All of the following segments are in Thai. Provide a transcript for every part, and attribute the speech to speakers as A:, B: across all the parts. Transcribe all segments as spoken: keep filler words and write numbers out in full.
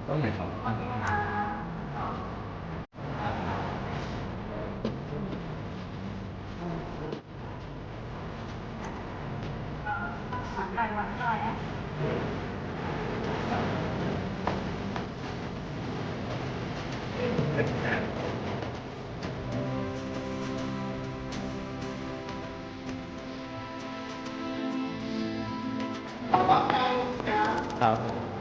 A: ต้องไหนครับครับ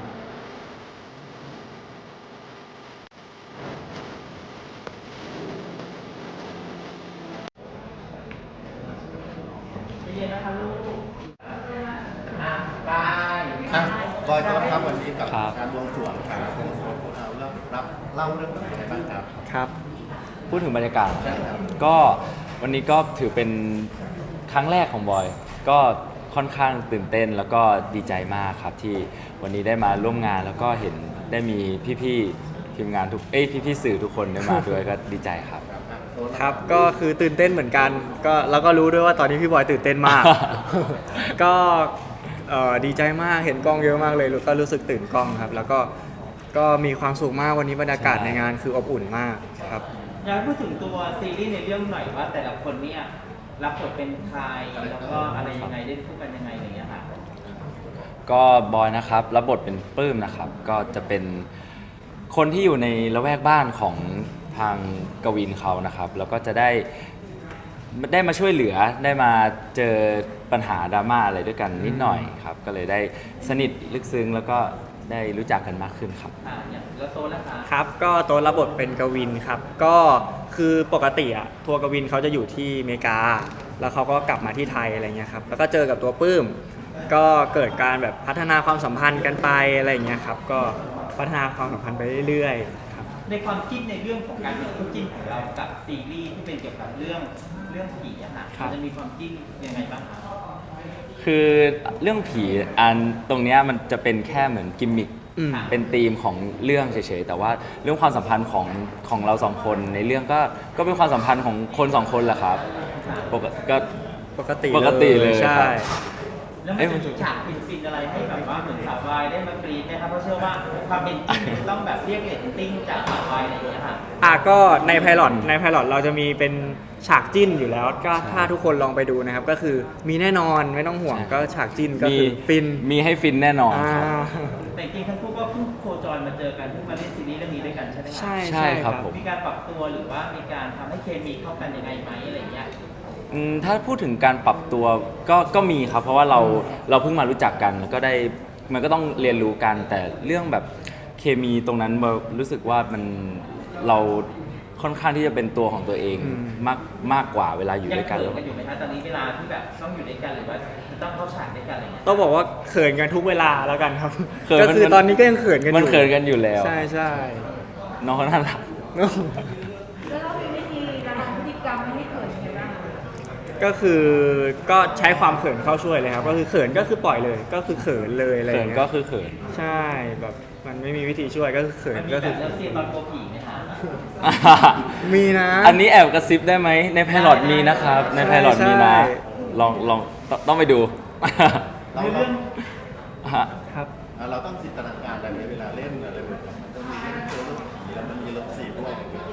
B: อ่ะบอยก็ครับวันนี้กับ
A: ครับ
B: การบวงสรวงครับเราเริ่มรับเล่าเรื่องอะไรบ้างครับ
A: ครับ พูดถึงบรรยากาศ
B: ใช่ครับ
A: ก็วันนี้ก็ถือเป็นครั้งแรกของบอย ก็ค่อนข้างตื่นเต้นแล้วก็ดีใจมากครับที่วันนี้ได้มาร่วมงานแล้วก็เห็นได้มีพี่ๆทีมงานทุกเอ้ยพี่ๆสื่อทุกคนได้มาด้วย ก็ดีใจครับ
C: ครับก็คือตื่นเต้นเหมือนกันก็แล้วก็รู้ด้วยว่าตอนนี้พี่บอยตื่นเต้นมาก ก็เอ่อดีใจมากเห็นกล้องเยอะมากเลยก็รู้สึกตื่นกล้องครับ แล้วก็ก็มีความสุขมากวันนี้บรรยากาศ
A: ใช่
C: ในงานคืออบอุ่นมากครับ
D: อยากให้พูดถึงตัวซีรีส์ในเรื่องหน่อยว่าแต่ละคนเนี่ยรับบทเป็นใครแล้วก็อะไรยังไงเล่นคู่กันยังไงอะไรอย่างเงี้ยค่ะ
A: ก็บอยนะครับรับบทเป็นปลื้มนะครับ ก็จะเป็นคนที่อยู่ในละแวกบ้านของทางกวินเขานะครับ แล้วก็จะได้ได้มาช่วยเหลือได้มาเจอปัญหาดราม่าอะไรด้วยกันนิดหน่อยครับ ก็เลยได้สนิทลึกซึ้งแล้วก็ได้รู้จักกันมากขึ้นครับ
D: อ่าอย่างแล้วโซนนะคะ
C: ครับก็ตัวรับบทเป็นกวินครับก็คือปกติอะทัวร์กวินเขาจะอยู่ที่อเมริกา แล้วเขาก็กลับมาที่ไทยอะไรเงี้ยครับแล้วก็เจอกับตัวปื้ม ก็เกิดการแบบพัฒนาความสัมพันธ์กันไปอะไรเงี้ยครับก็พัฒนาความสัมพันธ์ไปเรื่อยๆครับ
D: ในความคิดในเรื่องของการเป็นคู่จิ้นของเรากับซีรีส์ที่เป็นเกี่ยวกับเรื่องเรื่องผีอะค่ะ
C: ครับ
D: มันจะมีความจิ้นยังไงบ้างคะ
A: คือเรื่องผีอันตรงเนี้ยมันจะเป็นแค่เหมือนกิมมิค
C: อืม
A: เป็นธีมของเรื่องเฉยๆแต่ว่าเรื่องความสัมพันธ์ของของเราสองคนในเรื่องก็ก็เป็นความสัมพันธ์ของคนสองคนแหละครับปกติก็
C: ปกติ
A: ปกติเลย
C: ใช่
A: ครับ
D: แล้วมันจะมีฉากฟินๆอะไรให้แบบว่าเหมือนสาววายได้มากรีดไหมครับเพราะเชื่อว่าความเป็นจริงมันต้องแบบเรียกเรตติ้งจากสาววายอะไรอย่างเงี้ยค่ะ
C: อ่ะก็ในไพลอตในไพลอตเราจะมีเป็นฉากจิ้นอยู่แล้วก็ถ้าทุกคนลองไปดูนะครับ ก็คือมีแน่นอนไม่ต้องห่วง
A: ใช่
C: ก็ฉากจิ้นก็
A: มี
C: คือฟิน
A: มีให้ฟินแน่นอน
C: อ่า
A: ครับ
D: แต่จริงๆทั้งคู่ก็เพิ่งโคจรมาเจอกันเพิ่งมาเล่นซีรีส์เรื่องนี้ด้วยกันใช่ไหมคะ
C: ใช่
A: ใช่ครับผม
D: มีการปรับตัวหรือว่ามีการทำให้เคมีเข้ากันยังไงไหมอะไรอย่างเงี้ย
A: อืมถ้าพูดถึงการปรับตัวก็ก็มีครับ เพราะว่าเราเราเพิ่งมารู้จักกันแล้วก็ได้มันก็ต้องเรียนรู้กัน แต่เรื่องแบบเคมีตรงนั้นเรารู้สึกว่ามันเราค่อนข้างที่จะเป็นตัวของตัวเอง
C: อืม
A: มากมากกว่าเวลาอยู่
D: ยัง
A: ด้วยกัน
D: เขิน
A: แล้ว
D: กันอยู่ไหมคะตอนนี้เวลาที่แบบต้องอยู่ด้วยกันหรือว่าต้องเข้าฉากด้วยกันอะไรเงี้ย
C: ต้องบอกว่าเขินกันทุกเวลาแล้วกันครับ
A: เขิน
C: ก็
A: มัน
C: คือ
A: มัน
C: ตอนนี้ก็ยังเขินกันอยู่
A: มันเขินกันอยู่แล้ว
C: ใช่ใช่
A: น้องเขาน่ารัก
E: แล้วเรามีวิธีระงับพฤติกรรมไม่ให้เกิดยังไงบ้างคะ
C: ก็คือก็ใช้ความเขินเข้าช่วยเลยครับ ก็คือเขินก็คือปล่อยเลย ก็คือเขินเลยอะไรอ
A: เขิ
C: ย่าน งเงี้
A: ก็
C: ย
A: คือเขิน
C: ใช่แบบมันไม่มีวิธีช่วยก็คือเขิ
D: มัน
C: น
D: มี
C: ก็
D: แบ
C: คือบ
D: เลิฟซีนตอนโกลัวผีไหมคะ
C: มีนะ
A: อันนี้แอบกระซิบได้ไหมในไพลอตมีนะครับ ในไพลอตมีนะ
C: ใช่
A: ลองลองต้องต้องไปดู
B: เรา
D: ใน
B: เรา
D: เรื่อง
A: ฮะ
C: ครับ
B: อ่ะเราต้องจินตนาการอะไรไหมเวลาเล่นอะไรแบบนี้มันต้องมีเรื่องเจอเรื่องผีแล้วมันมีเลิฟซีนด้วย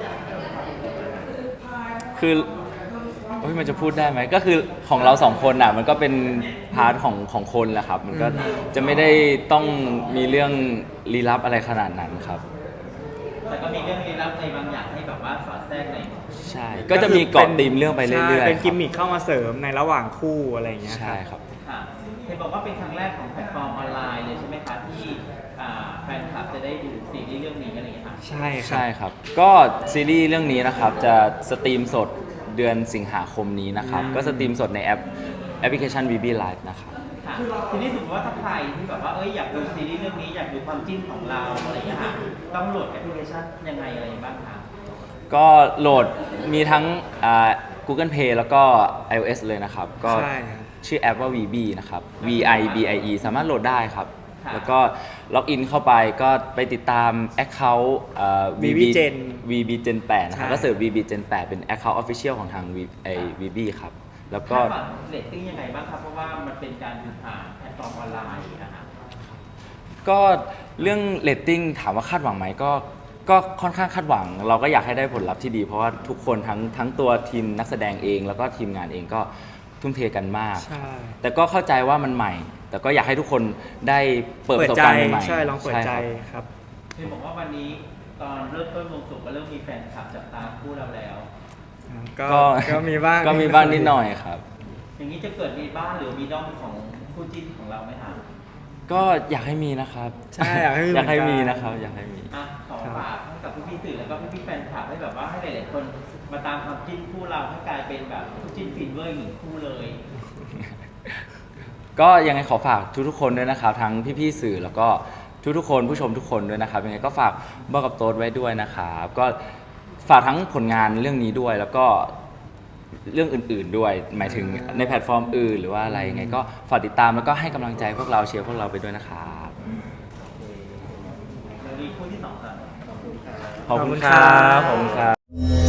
A: คือโอ้ยมันจะพูดได้ไหมก็คือของเราสองคนอ่ะมันก็เป็นพาร์ทของของคนแหละครับ มันก็จะไม่ได้ต้องมีเรื่องลี้ลับอะไรขนาดนั้นครับ
D: แต่ก็มีเรื่องลี้ลับในบางอย่างให้แบบว่าสอดแทรกใน
A: ใช่ ก็จะมีเกาะตีมเรื่องไปเรื่อยๆ
C: ใช่เป็นกิม
A: ค
C: มิคเข้ามาเสริมในระหว่างคู่อะไรอย่างเงี้
A: รับ
C: ย
A: ใช่
C: ค
A: ครับ รับ
D: ค่ะเห็นบอกว่าเป็นครั้งแรกของแพลตฟอร์มออนไลน์เลยใช่ไหมคะที่อ่าแฟนคลับจะได้ดูซีรีส์เรื่องนี้อะไรอย่างเงี้ยค่ะ
C: ใช่ครั
A: ใช่
C: บ
A: ครับ ก็ซีรีส์เรื่องนี้นะครับจะสตรีมสดเดือนสิงหาคมนี้นะครับ ก็สตรีมสดในแอปแอปพลิเคชัน วี บี Live นะครับ
D: ค่ะทีนี้สมมติว่าถ้าใครที่แบบว่าเอ้ยอยากดูซีรีส์เรื่องนี้อยากดูความจิ้นของเราอะไรอย่างเงี้ยค่ะต้องโหลดแอปพลิเคชันยังไงอะไรบ้างคะ
A: ก็โหลดมีทั้งอ่า Google Play แล้วก็ iOS เลยนะครับ ก็
C: ใช่ครับ
A: ชื่อแอปว่า วี บี นะครับ วี ไอ บี ไอ อี สามารถโหลดได้ครับ
D: ค่ะ
A: แล้วก็ล็อกอินเข้าไปก็ไปติดตาม Account อ่า
C: วี บี Gen
A: วี บี Gen แปดนะครับ
C: ใช่
A: ก็เสิร์ช วี บี Gen แปดเป็น Account Official ของทาง V ไอ วี บี ครับ แล้วก็
D: คาดหวังเรตติ้งยังไงบ้างครับเพราะว่ามันเป็นการดูผ่านแพลตฟอร์มออนไลน์นะคะ
A: ก็เรื่องเรตติ้งถามว่าคาดหวังไหมก็ก็ค่อนข้างคาดหวัง เราก็อยากให้ได้ผลลัพธ์ที่ดี เพราะว่าทุกคนทั้งทั้งตัวทีมนักแสดงเอง แล้วก็ทีมงานเองก็ทุ่มเทกันมาก
C: ใช่
A: แต่ก็เข้าใจว่ามันใหม่ แต่ก็อยากให้ทุกคนได้เปิดประสบ
C: ใจ
A: การณ์ใหม่ๆ
C: ใช่ลองเปิดใจ
A: ครับ
C: ครับ
D: คือบอกว่าวันนี้ตอนเริ่มต้นวงสุกก็เริ่มมีแฟนคลับจับตามคู่เราแล้ว
C: ก็
A: ก็
C: ก็มีบ้าง
A: ก็มีบ้างนิดหน่อยครับ
D: อย่างนี้จะเกิดมีบ้านหรือมีด้อมของคู่จิ้นของเราไหมคะ
A: ก็อยากให้มีนะครับ
C: ใช่อยากให้มี
A: อยากให้
C: เหมื
A: มี
C: อนกัน
A: นะครับ อยากให้มี
D: อ่ะขอฝากให้กับพี่ๆสื่อแล้วก็พี่ๆแฟนคลับให้แบบว่าให้หลายๆคนมาตามความจิ้นคู่เราให้กลายเป็นแบบคู่จิ้นฟินเวอร์หนึ่งคู่เลย
A: ก็ยังไงขอฝากทุกๆคนด้วยนะครับ ทั้งพี่ๆสื่อแล้วก็ทุกๆคนผู้ชมทุกคนด้วยนะครับยังไงก็ฝากบอกกับโต๊ดไว้ด้วยนะครับก็ฝากทั้งผลงานเรื่องนี้ด้วย แล้วก็เรื่องอื่นๆด้วย หมายถึงในแพลตฟอร์มอื่นหรือว่าอะไรยังไงก็ฝากติดตามแล้วก็ให้กำลังใจพวกเราเชียร์พวกเราไปด้วยนะครับ
D: เดี๋ยวมีคู่ที่สองกัน
A: ขอบคุณครับขอบคุณครับ